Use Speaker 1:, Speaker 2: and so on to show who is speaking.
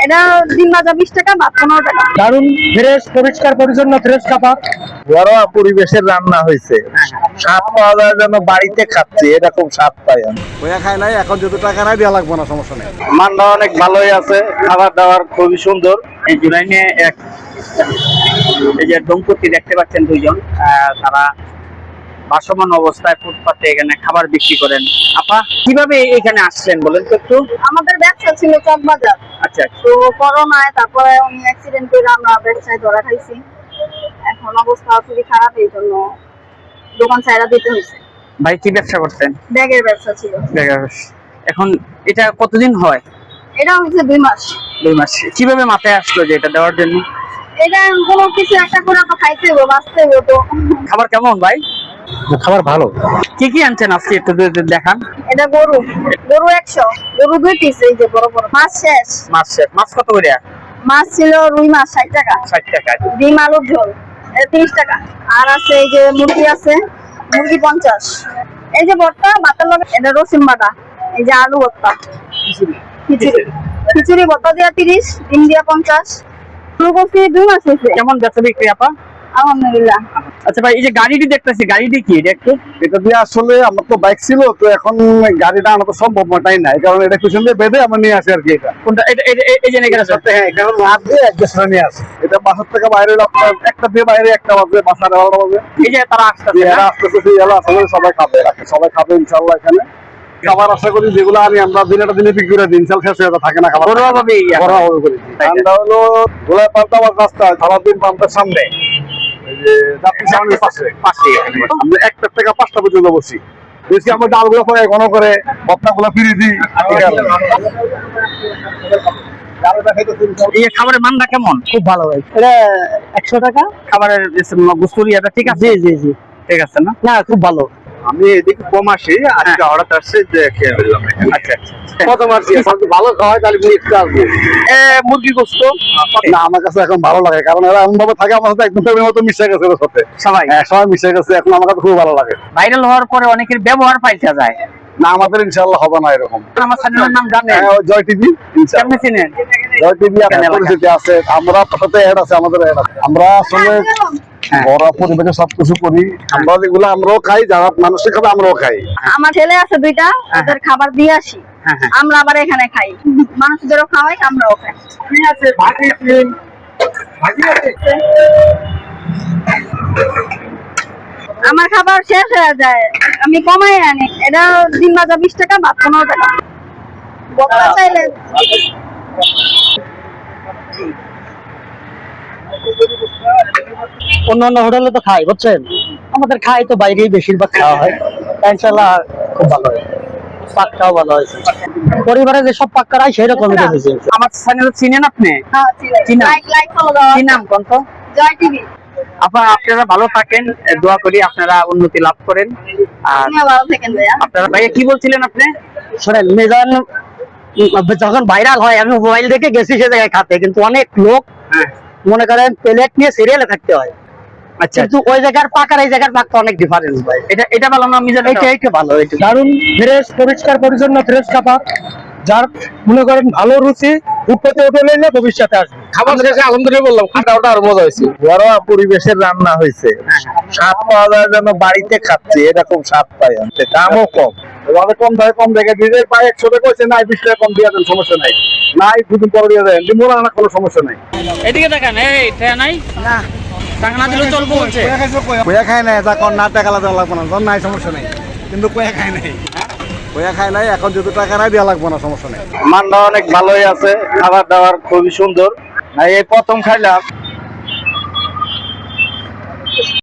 Speaker 1: এটা ডিম ভাজা 20 টাকা, ভাত 15 টাকা।
Speaker 2: দারুণ ফ্রেশ, পরিষ্কার পরিচ্ছন্ন, ফ্রেশ খাবার,
Speaker 3: ঘরোয়া পরিবেশের রান্না হয়েছে। স্বাদ পাওয়া যায় যেন বাড়িতে খাচ্ছি এরকম স্বাদ পাই আমি।
Speaker 4: বইয়া খাই নাই, এখন যত টাকা নাই দেওয়া লাগবে না, সমস্যা নেই।
Speaker 3: মানটা অনেক ভালোই আছে, খাবার দাবার খুবই সুন্দর।
Speaker 5: এই জুলাইনে এই যে দম্পতি দেখতে পাচ্ছেন দুইজন, তারা ভাসমান অবস্থায় ফুটপাতে এখানে খাবার বিক্রি করেন। আপা কিভাবে এখানে আসলেন বলেন তো একটু।
Speaker 1: আমাদের ব্যবসা ছিল চকবাজার।
Speaker 5: আচ্ছা,
Speaker 1: তো করোনায় তারপরে উনি অ্যাক্সিডেন্ট করে আমরা ব্যবসায় ধরা খাইছি। এখন অবস্থা খুবই খারাপ, এই জন্য দোকান ছাইড়া দিতে হয়েছে।
Speaker 5: ভাই কি ব্যবসা করতেন?
Speaker 1: ব্যাগের ব্যবসা ছিল।
Speaker 5: এখন এটা কতদিন হয়?
Speaker 1: এটা হচ্ছে 2 মাস।
Speaker 5: 2 মাস। কিভাবে মাথায় আসলো যে এটা দেওয়ার জন্য?
Speaker 1: এটা কোনো কিছু একটা করে তো খাইতে হবে, বাঁচতে হবে। তো
Speaker 5: খাবার কেমন ভাই?
Speaker 2: খাবার ভালো।
Speaker 5: কি কি আনছেন আজকে একটু দেখান।
Speaker 1: এটা গরু 100, গরু 2 পিস। এই যে বড় বড় মাছ শেষ।
Speaker 5: মাছ কত করে?
Speaker 1: মাছ ছিল রুই মাছ 60 টাকা।
Speaker 5: 60 টাকা।
Speaker 1: ডিম আলুর ঝোল এটা 30 টাকা। আর আছে এই যে মুরগি আছে, মুরগি 50। এই যে ভর্তা ভাতের লগে, এটা রসুন বাটা। এই যে আলু ভর্তা, খিচুড়ি ভর্তা দিয়া 30, ডিম দিয়া 50। ফুলকপি 2 মাস হয়েছে।
Speaker 5: কেমন বেচা বিক্রি আপা?
Speaker 1: আলহামদুলিল্লাহ।
Speaker 5: আচ্ছা ভাই, এই যে গাড়িটি দেখতেছি, গাড়িটি কি এটা একটু?
Speaker 4: এটা দিয়ে আসলে আমার তো বাইক ছিল, তো এখন গাড়িটা আনা তো সম্ভব নয় না, এই কারণে এটা পিছন দিয়ে বেঁধে আমরা নিয়ে আসি আর কি। এটা
Speaker 5: কোনটা? এই যে এখানে আছে।
Speaker 4: হ্যাঁ, এটা রাত দিয়ে অ্যাডজাস্ট করে নিয়ে আসি। এটা বাসার থেকে বাইরে একটা দিয়ে বাইরে একটা বাজে, বাসার 11টা বাজে।
Speaker 5: এই যে তারা আসতেছে,
Speaker 4: এরা আসতেছে, এরা আসলে সবাই খাবে ইনশাল্লাহ। এখানে খাবার আশা করি যেগুলো আমরা দিনেটা দিনে বিক্রি করে দিন, শেষ হয়ে থাকে না খাবার।
Speaker 5: ঘরোয়া ভাবে
Speaker 4: করি। ঠান্ডা হলো গোলায় পাল্টা আমার রাস্তা সারাদিন পাম্পের সামনে, এই যে যাত্রী সামনের পাশে আমরা 1টা থেকে 5টা পর্যন্ত বসি। বেশি আমরা ডালগুলো করে ঘন করে ভর্তাগুলো ফিরিয়ে দিই।
Speaker 5: এই খাবারের মানটা কেমন?
Speaker 2: খুব ভালো ভাই। এটা 100 টাকা।
Speaker 5: খাবারের গুস্তুরিয়াটা ঠিক আছে?
Speaker 2: জি
Speaker 5: ঠিক আছে না?
Speaker 2: না, খুব ভালো।
Speaker 3: আমি এদিকে কম আসি, আজকে হঠাৎ আসছে যে খেয়ে ফেললাম।
Speaker 5: আচ্ছা।
Speaker 4: প্রথম আসছি, ভালো খাওয়াই তাহলে একটু আসবো।
Speaker 5: মুরগি গোস্ত
Speaker 4: না, আমার কাছে এখন ভালো লাগে, কারণ এরা এমন ভাবে থাকে আমার সাথে, একদম ফ্যামিলির মতো মিশে গেছে ওর সাথে।
Speaker 5: সবাই
Speaker 4: সবাই মিশে গেছে, এখন আমার কাছে খুব ভালো লাগে।
Speaker 5: ভাইরাল হওয়ার পরে অনেকের ব্যবহার পাল্টে যায়।
Speaker 4: না, আমাদের ইনশাআল্লাহ হবে না এরকম।
Speaker 5: আমার চ্যানেলের নাম জানেন?
Speaker 4: জয় টিভি।
Speaker 5: কেমনে চিনেন?
Speaker 4: জয় টিভি পরিচিতি আছে, আমরা সাথে অ্যাড আছে, আমাদের অ্যাড আছে। আমরা আসলে ঘরোয়া পরিবেশে সবকিছু করি। আমরা যেগুলো আমরাও খাই, যারা মানুষের খাবে আমরাও খাই।
Speaker 1: আমার ছেলে আছে 2টা, ওদের খাবার দিয়ে আসি। আমরা আবার এখানে খাই, মানুষদেরও খাওয়াই, আমরাও খাই। আমার খাবার শেষ হয়ে যায়, আমি কমাই আনি। এটা ডিম ভাজা 20 টাকা, ভাত 15 টাকা। বক্তা চাইলে
Speaker 2: অন্য হোটেলে তো খাই, বুঝছেন, আমাদের খাই তো বাইরেই বেশিরভাগ খাওয়া হয়। ইনশাআল্লাহ খুব ভালো হয়, পাকটাও ভালো হয়েছে। পরিবারে যে সব পাক করাই সেই রকমই রেখেছে।
Speaker 5: আমার চ্যানেল চিনেন আপনি?
Speaker 1: লাইক ফলো দাও।
Speaker 5: কি নাম কোন তো?
Speaker 1: জয় টিভি।
Speaker 5: আপনারা ভালো থাকেন, দোয়া করি আপনারা উন্নতি লাভ করেন। আর
Speaker 1: আপনিও ভালো থাকেন ভাইয়া।
Speaker 5: আপনারা ভাইয়া কি বলছিলেন আপনি?
Speaker 2: শোনেন, মিজান যখন ভাইরাল হয়, আমি মোবাইল দেখে গেছি সে জায়গায় খাতে, কিন্তু অনেক লোক মনে করেন প্লেট নিয়ে সিরিয়ালে থাকতে হয়।
Speaker 5: আচ্ছা,
Speaker 2: কিন্তু ওই জায়গার পাক আর এই জায়গার পাক তো অনেক ডিফারেন্স ভাই।
Speaker 5: এটা ভালো না মিজান?
Speaker 2: এটা ভালো, এটা দারুণ ফ্রেশ, পরিষ্কার পরিচ্ছন্ন, ফ্রেশ খাবার, যার মনে করেন ভালো রুচি, উঠতে হোটেলে নিলে ভবিষ্যতে আসবে।
Speaker 4: খাবার শেষে আলহামদুলিল্লাহ বললাম, খাওয়াটা আরো মজা হয়েছে।
Speaker 3: ঘরোয়া পরিবেশের রান্না হয়েছে। স্বাদ পাওয়া যায় যেন বাড়িতে খাচ্ছি এরকম স্বাদ পাই আমি। দামও কম,
Speaker 4: অনেক কম দামে কম দেখে দিলে প্রায় 100 টাকা হয়েছে, নাই 20 টাকা কম দিয়ে দেন, সমস্যা নাই। নাই 2 দিন পরে দিয়ে দেন, মোড়া আনা কোনো সমস্যা নাই।
Speaker 5: এদিকে দেখেন, এই ট্রেন নাই না, টাকা না দিলে চলবো বলছে।
Speaker 4: কয়া খাই নাই, এখন না টাকা দেওয়া লাগবে না, নাই সমস্যা নাই। কিন্তু কয়া খাই নাই, কয়া খাই নাই, এখন যত টাকা নাই দেওয়া লাগবে না, সমস্যা নাই।
Speaker 3: মানটা অনেক ভালোই আছে, খাবার দাবার খুবই সুন্দর। এই প্রথম খাইলাম।